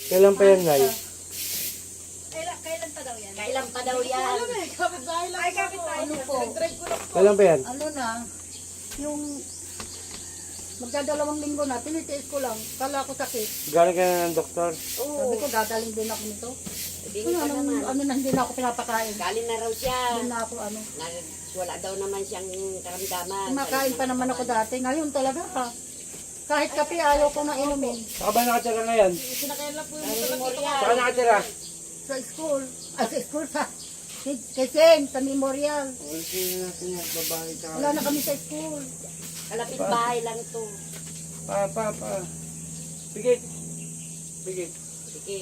Kailan pa yan, Nay? Kailan pa daw yan? Kailan pa daw yan? Ay, kapit tayo. Ano po? Kailan pa yan? Ano na, yung magdadalawang linggo na, tinitiis ko lang. Kala ko sakit. Galing ka na ng doktor? Sabi ko, gagaling din ako nito. Sabihin ka naman. Ano na, hindi na ako pinapakain. Galing na raw siya. Hindi na ako ano. Wala daw naman siyang karamdaman. Kumakain pa naman ako dati. Ngayon talaga ha. Kahit kape ayaw ko na inumin. Saka ba nakatira ngayon? Saka nakatira? Sa school. Sa school sa Quezon, sa memorial. Ulitin natin yan, babae ka. Wala na kami sa school. Kalapit bahay lang to. Pa. Pigit. Sige.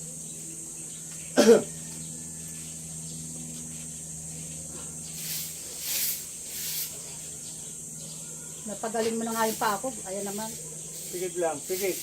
Napagaling mo na nga yung pa ako. Ayan naman. Pigit lang, pigit.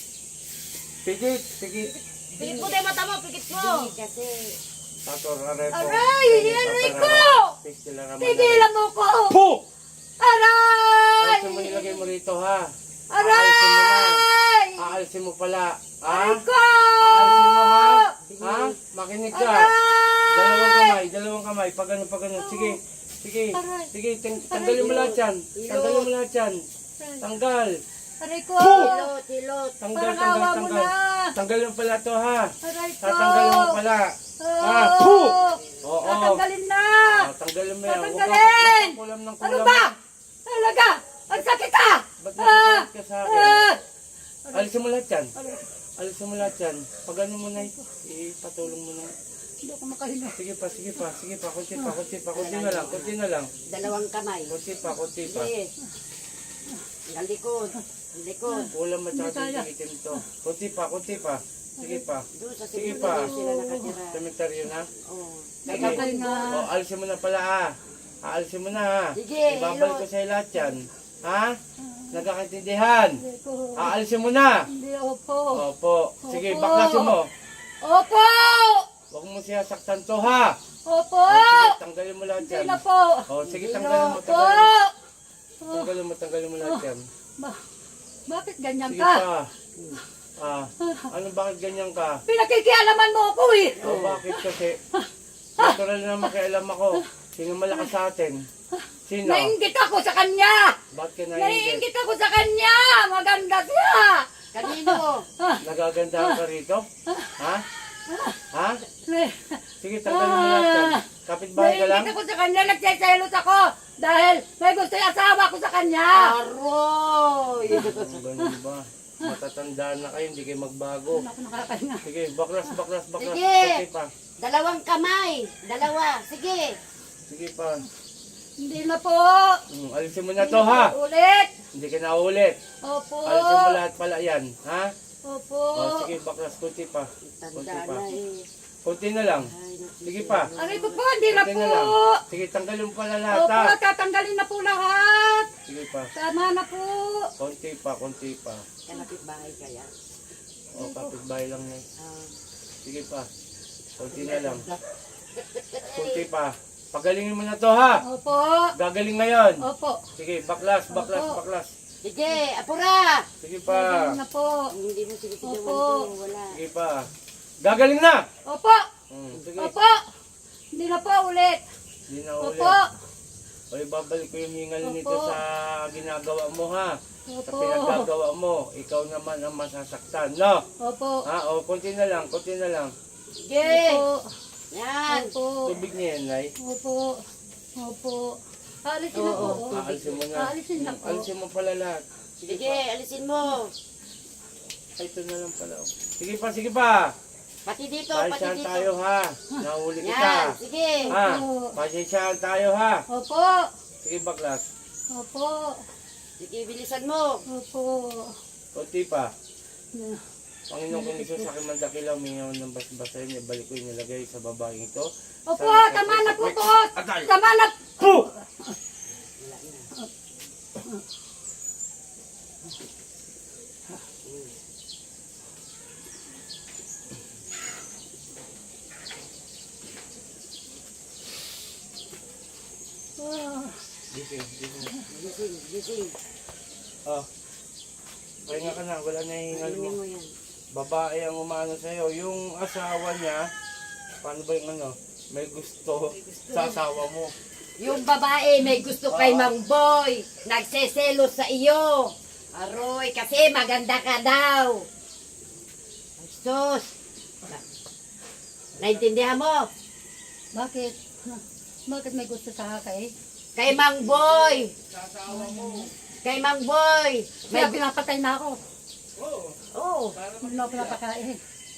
Pikit mo tayo mata mo, pikit mo. Hindi kasi. Tator, aray po. Aray! Aray ko! Tigilan mo ko! Po! Aray! Ayusin mo nilagay mo rito, ha? Aray! Aalisin mo pala. Ha? Aray ko! Aalisin mo, ha? Ha? Makinig ka. Aray! Dalawang kamay. Pag ganun. Sige. Aray. Sige, tanggalin mo lahat yan. Tanggalin mo lahat yan. Tanggal. Aray ko! Tilot. Tanggal. Parang awa mo na. Tanggalin mo pala to, ha? Aray ko! Tatanggalin mo pala. Ha? Oo! Oo. Tatanggalin na! Tanggalin mo yan. Huwag Tatanggalin! kang kulam ng Ano kulam. ba? Talaga! Ang sakit ah! Ba't nakakit ka sa akin? Ah! Alisin mo lahat yan. Alisin mo lahat yan. Pag ano mo na, ipatulong mo na. Hindi ako makahinga. Sige pa. Kunti na lang. Dalawang kamay. Kunti pa. Sige. Ang likod. Ulam at saka itim to. Kunti pa. Sige pa. Doon sa Sige cemetery pa. sila nakatira. Cemetery na. Oo. Makahinga. O, alisin mo na pala, ha. Alisin mo na, ha. Sige, Ibabalik ko sa'yo lahat yan. Ha? Nagkakaintindihan. Hindi ko. Alisin mo na. Hindi, opo. Opo. Sige, Opo. baklasin mo. Opo! Huwag mo siya saktan to, ha. Opo! O, sige, tanggalin mo lahat Hindi yan. na po. O, sige, Hindi tanggalin na mo. po. Tanggalin mo lahat yan. Bakit ganyan Sige ka? pa. Ano, bakit ganyan ka? Pinakikialaman mo ako eh. O, bakit kasi? Natural na makialam ako. Sino malakas sa atin? Sino? Nainggit ako sa kanya. Bakit ka naiingit? Nainggit ako sa kanya. Maganda siya. Kanino? Nagagandahan ka rito? Ha? Ha? Na- Sige, tanggalin mo lahat yan. Kapitbahay ka lang? Nainggit ako sa kanya. Nagseselos ako. Dahil may gusto yung asawa ko sa kanya. Aroy! Ganun ba? Matatandaan na kayo, hindi kayo magbago. Ako nakakahinga. Sige, baklas. Sige. Kunti pa. Dalawang kamay. Dalawa. Sige. Sige pa. Hindi na po. Alisin mo na to, ha? Ulit. Hindi ka na ulit. Opo. Alisin mo lahat pala yan, ha? Opo. O, sige, baklas. Kunti pa. Tanda na eh. Kunti na lang. Sige pa. Aray ko po, hindi na Kunti po. na lang. Sige, tanggalin mo pala lahat, Opo, ha? tatanggalin na po lahat. Sige pa. Tama na po. Kunti pa. Kalapit bahay kaya. O, kapitbahay lang na. Ah. Sige pa. Kunti na lang. Kunti pa. Pagalingin mo na to, ha? Opo. Gagaling ngayon. Opo. Sige, baklas. Sige, apura! Sige pa. Gagaling na po. Hindi mo sige Opo. ito. Wala. Sige pa. Gagaling na! Opo. Sige. Opo. Hindi na po ulit. Hindi na ulit. Opo. O, ibabalik ko yung hingal nito Opo. sa ginagawa mo, ha? Sa Opo. pinagagawa mo. Ikaw naman ang masasaktan, no? Opo. Ha? O, kunti na lang. Sige! Opo. Yan! Opo. Tubig niya yan, Nay. Opo. Aalisin na po. Oo. Aalisin mo na. Aalisin na po. Alisin mo pala lahat. Sige, alisin mo. Ay, ito na lang pala. Sige pa. Pati dito, Pasensyahan tayo, ha? Nahuli Yan, kita. sige. Ha? Pasensyahan tayo, ha? Opo. Sige, baklas. Opo. Sige, bilisan mo. Opo. Kunti pa. Panginoon kong Isus, sa aking mandakilaw, mingaw ng basbasahin, ibalik ko yung nilagay sa babaeng ito. Opo, tama na po to. Atay! Tama na. Po! Gising. Gising. Oh. Pahinga ka na, wala na yung hingal mo. Alimin mo yan. babae ang umano sa'yo. Yung asawa niya, paano ba yung ano, may gusto sa asawa mo. Yung babae may gusto kay Mang Boy. Nagseselos sa iyo. Aroy, kasi maganda ka daw. Sus. Naintindihan mo? Bakit? Bakit may gusto sa kay? Kay Mang Boy. Kay Mang Boy. Kaya pinapatay na ako. Oo. Oh, Hindi na ako pinapakain.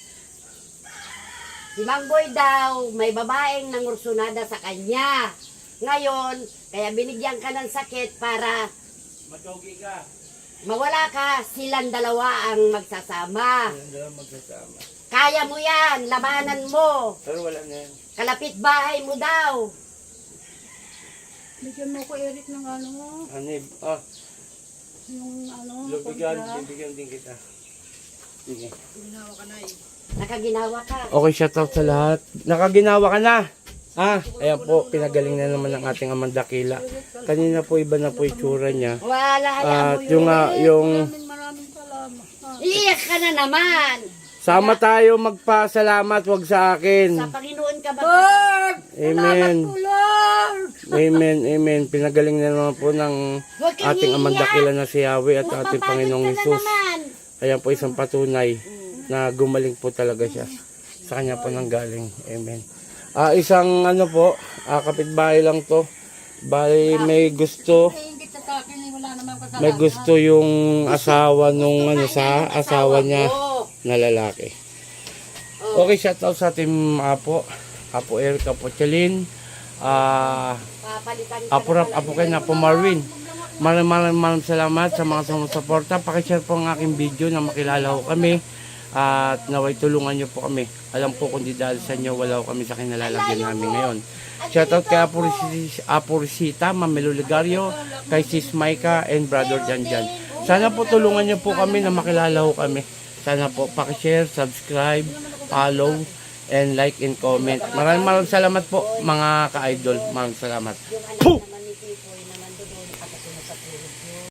si Mang Boy daw, may babaeng nangursunada sa kanya. Ngayon, kaya binigyan ka ng sakit para Magkaugi ka. mawala ka, silang dalawa ang magsasama. Walang dalawa magsasama. Kaya mo yan, labanan mo. Pero wala na yan. Kalapit bahay mo daw. Bigyan mo ko, Eric, ng ano mo. Hanib, Yung ano. lubigan, kontra. bibigyan din kita. Sige. Nakaginawa ka. Okay, shoutout sa lahat. Nakaginawa ka na. Ayan po, pinagaling na naman ng ating Amang Dakila. Kanina po, iba na po itsura niya. Wala, hayaan At mo yung, yung, Maraming salamat. Iiyak ka na naman. sama tayo magpasalamat, wag sa akin. Sa Panginoon ka ba? Lord! Amen. Salamat po, Lord! Amen, amen. Pinagaling na naman po ng Huwag kang ating Amang iiyak. Dakila na si Yahweh at ating Mapapagod Panginoong ka na Hesus. naman. Ayan po isang patunay na gumaling po talaga siya. Sa kanya po nang galing. Amen. Isang ano po, kapitbahay lang to. Bali may gusto, Hindi sa akin, wala naman kasalanan. may gusto yung asawa nung ano sa asawa niya Oo. na lalaki. Okay, shoutout sa ating Apo Eric, Apo Chalin, Papalitan ka Apo Rap, Apo Ken, Apo Marvin. Maraming salamat sa mga sumusuporta. Pakishare po ang aking video na makilala ko kami at naway tulungan nyo po kami. Alam po kung di dahil sa inyo, wala ko kami sa kinalalagyan namin ngayon. Shoutout kay Apo Risita, Mamelo Ligario, kay Sis Maika, and Brother Janjan. Sana po tulungan nyo po kami na makilala ko kami. Sana po pakishare, subscribe, follow, and like and comment. Maraming salamat po mga ka-idol. Maraming salamat. Yung anak naman